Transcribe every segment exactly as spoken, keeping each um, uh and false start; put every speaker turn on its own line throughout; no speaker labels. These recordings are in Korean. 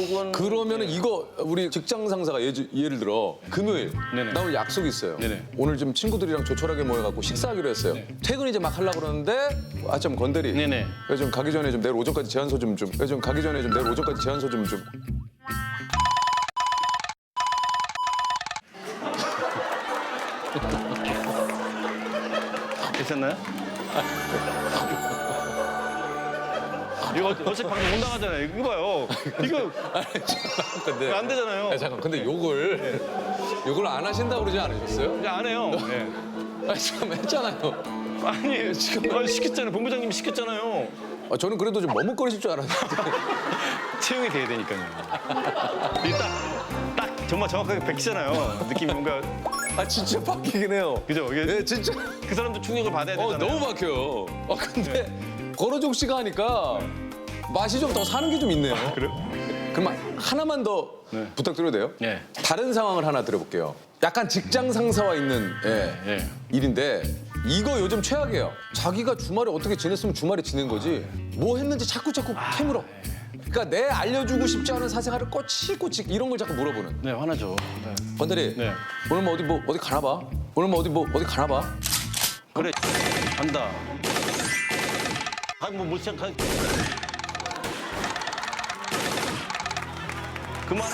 요건
그러면은 이거 우리 직장 상사가 예, 예를 들어 금요일
네네.
나 오늘 약속이 있어요.
네네.
오늘 좀 친구들이랑 조촐하게 모여갖고 식사하기로 했어요. 퇴근 이제 막 하려고 그러는데 아좀 건대리.
네네.
그래서 좀 가기 전에 좀 내일 오전까지 제안서 좀 좀. 그래서 좀 가기 전에 좀 내일 오전까지 제안서 좀 좀.
괜찮나요? 이거 어차피 방금 못 나가잖아요. 이거 봐요. 이거
근데
안 되잖아요.
아, 잠깐 근데 욕을 욕을 안 하신다고 그러지 않으셨어요?
이제 안 해요. 네.
아 지금 했잖아요.
아니 지금 아니, 시켰잖아요. 본부장님이 시켰잖아요.
아, 저는 그래도 좀 머뭇거리실 줄 알았는데.
채용이 돼야 되니까요. 이게 딱, 딱 정말 정확하게 백시잖아요. 느낌이 뭔가
아 진짜 바뀌긴 해요.
그죠? 이게
네 진짜.
그 사람도 충격을 받아야
어
되잖아요.
너무 박혀요. 아 근데 권호종 씨가 하니까 맛이 좀 더 사는 게 좀 있네요.
그래요?
그럼 하나만 더
네.
부탁드려도 돼요?
네.
다른 상황을 하나 들어볼게요. 약간 직장 상사와 있는 예,
예.
일인데 이거 요즘 최악이에요. 자기가 주말에 어떻게 지냈으면 주말에 지낸 거지 뭐 했는지 자꾸 자꾸 캐물어. 그러니까 내 알려주고 싶지 않은 사생활을 꼬치꼬치 이런 걸 자꾸 물어보는.
네, 화나죠. 네.
건대리
네.
오늘 뭐 어디 뭐 어디 가나 봐. 오늘 뭐 어디 뭐 어디 가나 봐.
그래, 간다. 아니, 뭐, 못 시작하. 그만해.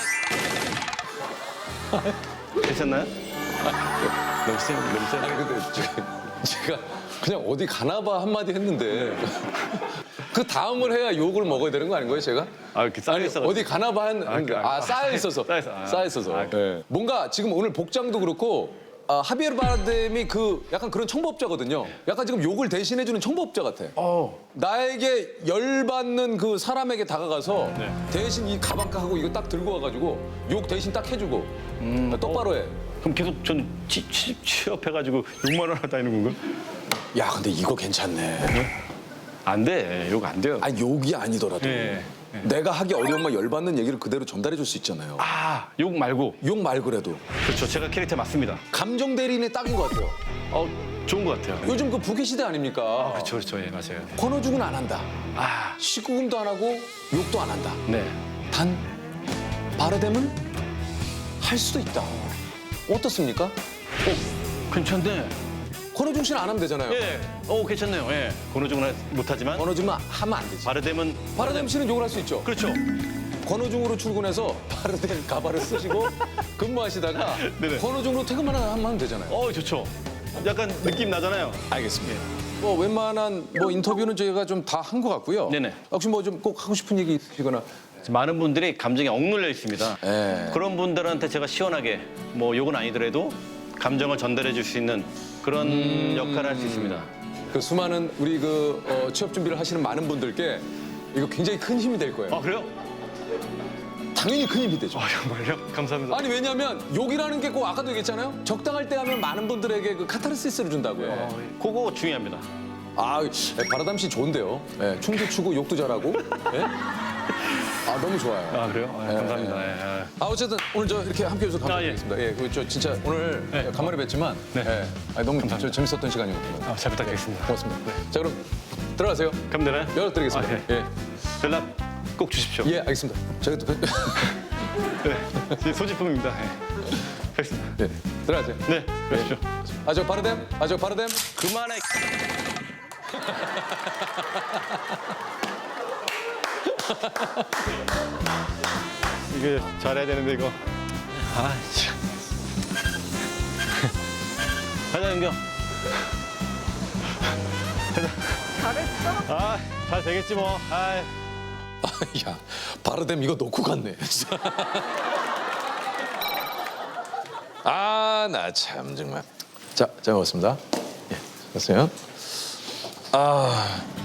괜찮나요? 너무 세, 너무 세.
아니 근데 제가, 제가 그냥 어디 가나 봐 한마디 했는데 그 다음을 해야 욕을 먹어야 되는 거 아닌 거예요 제가?
아, 이렇게 쌓여
아니
있어가지고.
어디 가나 봐 한, 아,
그, 아,
쌓여 있어서
쌓여 있어. 아,
쌓여 있어서
아,
예. 뭔가 지금 오늘 복장도 그렇고 아, 하비에르 바르뎀이 그 약간 그런 청부업자거든요. 약간 지금 욕을 대신해주는 청부업자 같아.
어.
나에게 열받는 그 사람에게 다가가서
네.
대신 이 가방가하고 이거 딱 들고 와가지고 욕 대신 딱 해주고
음.
똑바로 해.
그럼 계속 전 취, 취, 취업해가지고 욕만 하러 다니는 건가?
야 근데 이거 괜찮네.
안 돼. 욕 안 돼요.
아니 욕이 아니더라도
네.
내가 하기 어려운 말 열받는 얘기를 그대로 전달해 줄 수 있잖아요.
아, 욕 말고.
욕 말고라도
그렇죠. 제가 캐릭터 맞습니다.
감정 대리인의 딱인 것 같아요.
어, 좋은 것 같아요.
요즘 그 부캐 시대 아닙니까?
그렇죠, 그렇죠. 예, 맞아요.
권어죽은 안 한다.
아,
식구금도 안 하고 욕도 안 한다.
네.
단 바르뎀은 할 수도 있다. 어떻습니까?
어, 괜찮네.
권어중 씨는 안 하면 되잖아요.
예, 어, 괜찮네요. 예. 권호중은 못하지만
권어중은 하면 안 되지.
바르뎀은
바르뎀 씨는 욕을 할 수 있죠.
그렇죠.
권어중으로 출근해서 바르뎀 가발을 쓰시고 근무하시다가
네네.
권어중으로 퇴근만 하면 되잖아요.
어, 좋죠. 약간 느낌 나잖아요.
알겠습니다. 뭐 웬만한 뭐 인터뷰는 저희가 좀 다 한 것 같고요.
네네.
혹시 뭐 좀 꼭 하고 싶은 얘기 있으시거나.
많은 분들이 감정에 억눌려 있습니다.
예.
그런 분들한테 제가 시원하게 뭐 욕은 아니더라도 감정을 전달해 줄 수 있는 그런
음.
역할을 할 수 있습니다.
그 수많은 우리 그 어, 취업 준비를 하시는 많은 분들께 이거 굉장히 큰 힘이 될 거예요.
아, 그래요?
당연히 큰 힘이 되죠.
아, 정말요? 감사합니다.
아니 왜냐하면 욕이라는 게 꼭 아까도 얘기했잖아요. 적당할 때 하면 많은 분들에게 그 카타르시스를 준다고요.
어, 그거 중요합니다.
아 바라담 씨 좋은데요. 예, 춤도 추고 욕도 잘하고. 예? 아 너무 좋아요.
아, 그래요? 아, 감사합니다. 예, 예.
아 어쨌든 오늘 저 이렇게 함께 해주셔서
아, 예.
감사드리겠습니다. 예, 그저 진짜 오늘
네.
간만에 뵀지만
네.
예, 아, 너무 저 재밌었던 시간이었습니다.
아, 잘 부탁드리겠습니다.
고맙습니다. 자 그럼 들어가세요.
그럼 되나요?
연락드리겠습니다.
아, 예.
예.
연락 꼭 주십시오.
예, 알겠습니다. 제가 또
네. 제 소지품입니다. 예. 알겠습니다.
네, 들어가세요.
네, 그러십시오.
아 저 바르뎀, 아 저 바르뎀.
그만해. 이게 잘해야 되는데 이거. 아, 참. 가자, 윤경.
잘했어?
아, 잘 되겠지 뭐. 아,
아, 야, 바르뎀 이거 놓고 갔네. 아, 나 참 정말. 자, 잘 먹었습니다. 예, 됐어요. 아.